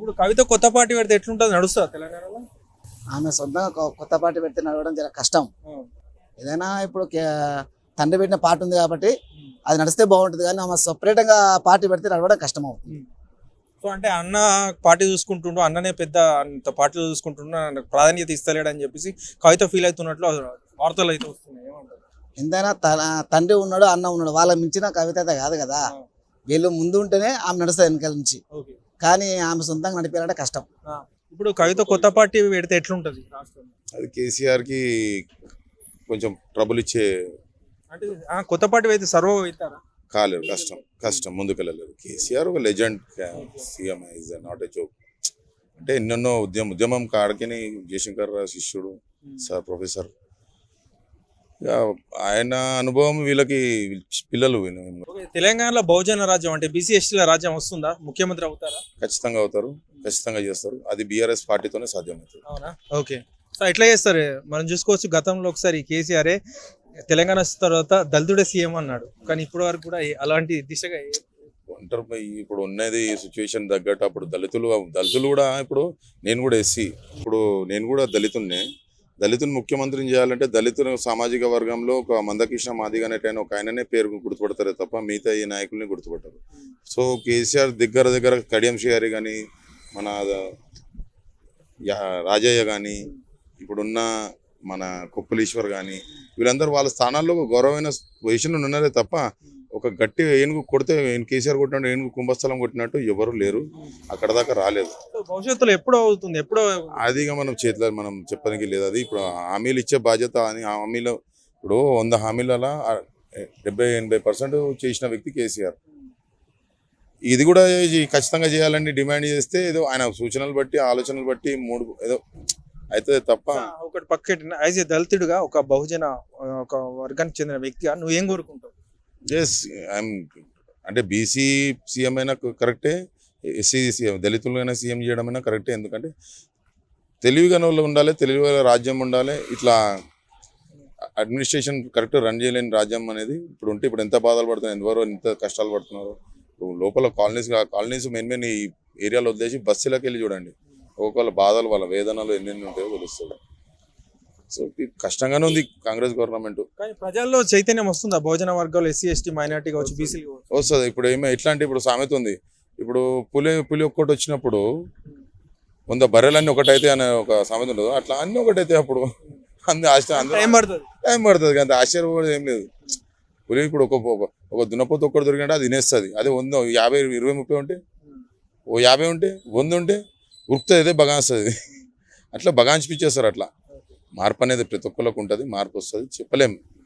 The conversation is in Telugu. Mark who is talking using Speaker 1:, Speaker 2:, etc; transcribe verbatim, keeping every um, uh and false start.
Speaker 1: ఇప్పుడు కవిత కొత్త పార్టీ పెడితే ఎట్లుంటుంది, నడుస్తుందా తెలంగాణలో?
Speaker 2: ఆమె సొంతంగా కొ- కొత్త పార్టీ పెడితే నడవడం చాలా కష్టం. ఏదైనా ఇప్పుడు కే- తండ్రి పెట్టిన పార్టీ ఉంది కాబట్టి అది నడిస్తే బాగుంటుంది, కానీ ఆమె సపరేట్గా పార్టీ పెడితే నడవడం కష్టం అవుతుంది.
Speaker 1: సో అంటే అన్న పార్టీ చూసుకుంటుండు, అన్ననే పెద్ద అంత పార్టీలు చూసుకుంటుండు, నాకు ప్రాధాన్యత ఇస్తలేడు అని చెప్పేసి కవిత ఫీల్ అవుతున్నట్లు వార్తలు అయితే వస్తున్నాయి. ఏమంటారు?
Speaker 2: ఎంతైనా తన తండ్రి ఉన్నాడు, అన్న ఉన్నాడు, వాళ్ళ మించిన కవిత అయితే కాదు కదా. వీళ్ళు ముందు ఉంటేనే ఆమె నడుస్తుంది వెనకాల నుంచి,
Speaker 1: ఓకే.
Speaker 2: కానీ ఆమె సొంతంగా నడిపారంటే కష్టం.
Speaker 1: ఇప్పుడు కవిత కొత్త పార్టీ పెడితే ఎట్లుంటది రాష్ట్రంలో?
Speaker 3: అది కేసీఆర్ కి కొంచెం ట్రబుల్ ఇచ్చే
Speaker 1: అంటే ఆ కొత్త పార్టీ అయితే సర్వ అవుతారా?
Speaker 3: కాలేదు, కష్టం కష్టం ముందుకెళ్ళలేదు. కేసీఆర్ ఒక legend CM, is not a joke. అంటే ఎన్నెన్నో ఉద్యమం ఉద్యమం కాడికిని జయశంకర్ రావు శిష్యుడు సార్ ప్రొఫెసర్. ఇక ఆయన అనుభవం వీళ్ళకి పిల్లలు వీళ్ళు
Speaker 1: ఓకే, తెలంగాణలో బహుజన రాజ్యం అంటే బీసీ ఎస్టీల రాజ్యం వస్తుందా? ముఖ్యమంత్రి అవుతారా?
Speaker 3: ఖచ్చితంగా అవుతారు, ఖచ్చితంగా చేస్తారు. అది బీఆర్ఎస్ పార్టీతోనే సాధ్యమవుతుంది.
Speaker 1: అవునా? ఓకే. సో ఎట్లా చేస్తారు? మనం చూసుకోవచ్చు, గతంలో ఒకసారి కేసీఆర్ తెలంగాణ వచ్చిన తర్వాత దళితుడే సీఎం అన్నాడు, కానీ ఇప్పటి వరకు కూడా ఏ- అలాంటి దిశగా ఏ-
Speaker 3: ఒంటరి ఇప్పుడు ఉన్నది సిచ్యువేషన్ తగ్గట్టు అప్పుడు దళితులు దళితులు కూడా ఇప్పుడు నేను కూడా ఎస్సీ, ఇప్పుడు నేను కూడా దళితున్నే. దళితుని ముఖ్యమంత్రిని చేయాలంటే దళితుల సామాజిక వర్గంలో ఒక మందకృష్ణ మాదిగ అనేటైన ఒక ఆయననే పేరు గుర్తుపడతారే తప్ప మిగతా ఈ నాయకుల్ని గుర్తుపడతారు. సో కేసీఆర్ దగ్గర దగ్గర కడియం శ్రీహరి కానీ, మన యా- రాజయ్య కానీ, ఇప్పుడున్న మన కొప్పులీశ్వర్ కానీ, వీళ్ళందరూ వాళ్ళ స్థానాల్లో ఒక గౌరవమైన పొజిషన్లో ఉన్నారే తప్ప ఒక గట్టి ఏనుగు కొడితే కేసీఆర్ కొట్టినట్టు ఏనుగు కుంభస్థలం కొట్టినట్టు ఎవరు లేరు, అక్కడ దాకా రాలేదు.
Speaker 1: సో భవిష్యత్తులో ఎప్పుడో అవుతుంది, ఎప్పుడో
Speaker 3: అది ఇక మనం చేతిలో మనం చెప్పడానికి లేదు. అది ఇప్పుడు హామీలు ఇచ్చే బాధ్యత అని హామీలో ఇప్పుడు వంద హామీలలో డెబ్బై ఎనభై పర్సెంట్ చేసిన వ్యక్తి కేసీఆర్. ఇది కూడా ఈ ఖచ్చితంగా చేయాలని డిమాండ్ చేస్తే ఏదో ఆయన సూచనలు బట్టి ఆలోచనలు బట్టి మూడు ఏదో అయితే తప్ప.
Speaker 1: ఒకటి పక్కన యాజ్ ఏ దళితుడిగా ఒక బహుజన ఆ, ఒక వర్గానికి చెందిన వ్యక్తిగా నువ్వేం కోరుకుంటావు?
Speaker 3: ఎస్ ఐఎమ్ అంటే బీసీ సీఎం అయినా కరెక్టే, ఎస్సీ సీఎం దళితులైనా సీఎం చేయడం అయినా కరెక్టే. ఎందుకంటే తెలివిగా వాళ్ళు ఉండాలి, తెలివిగా రాజ్యం ఉండాలి. ఇట్లా అడ్మినిస్ట్రేషన్ కరెక్ట్ రన్ చేయలేని రాజ్యం అనేది ఇప్పుడు ఉంటే ఇప్పుడు ఎంత బాధలు పడుతున్నారు, ఎంతవరకు ఎంత కష్టాలు పడుతున్నారు. ఇప్పుడు లోపల కాలనీస్ కాలనీస్ మెయిన్ మెయిన్ ఈ ఏరియాలో వదిలేసి బస్సులకు వెళ్ళి చూడండి, ఒక్కొక్కళ్ళ బాధలు వాళ్ళ వేదనలు ఎన్నెన్ని ఉంటాయో తెలుస్తుంది. సో కష్టంగానే ఉంది కాంగ్రెస్ గవర్నమెంట్.
Speaker 1: కానీ ప్రజల్లో చైతన్యం వస్తుందా? భోజన వర్గాలు ఎస్సీ ఎస్టీ మైనార్టీ కావచ్చు, బీసీలు కావచ్చు.
Speaker 3: వస్తుంది. ఇప్పుడు ఏమో ఎట్లా అంటే ఇప్పుడు సామెత ఉంది, ఇప్పుడు పులి పులి ఒక్కటి వచ్చినప్పుడు వంద బర్రెలన్నీ ఒకటైతే అనే ఒక సామెత ఉండదు, అట్లా అన్నీ ఒకటైతే అప్పుడు అందు ఆశ
Speaker 1: టైం పడుతుంది
Speaker 3: టైం పడుతుంది కానీ ఆశ్చర్యం కూడా ఏం లేదు. పులి ఇప్పుడు ఒక ఒక- ఒక దున్నపోతు ఒక్కటి దొరికినట్టు అది తినేస్తుంది. అదే వంద యాభై ఇరవై ముప్పై ఉంటే, ఓ యాభై ఉంటే వంద ఉంటే ఉరుకుతుంది, అదే బగాస్తుంది. అట్లా బగాంచిపిచ్చేస్తారు. అట్లా మార్పు అనేది ప్రతి ఒక్కరికి ఉంటుంది, మార్పు వస్తుంది, చెప్పలేం.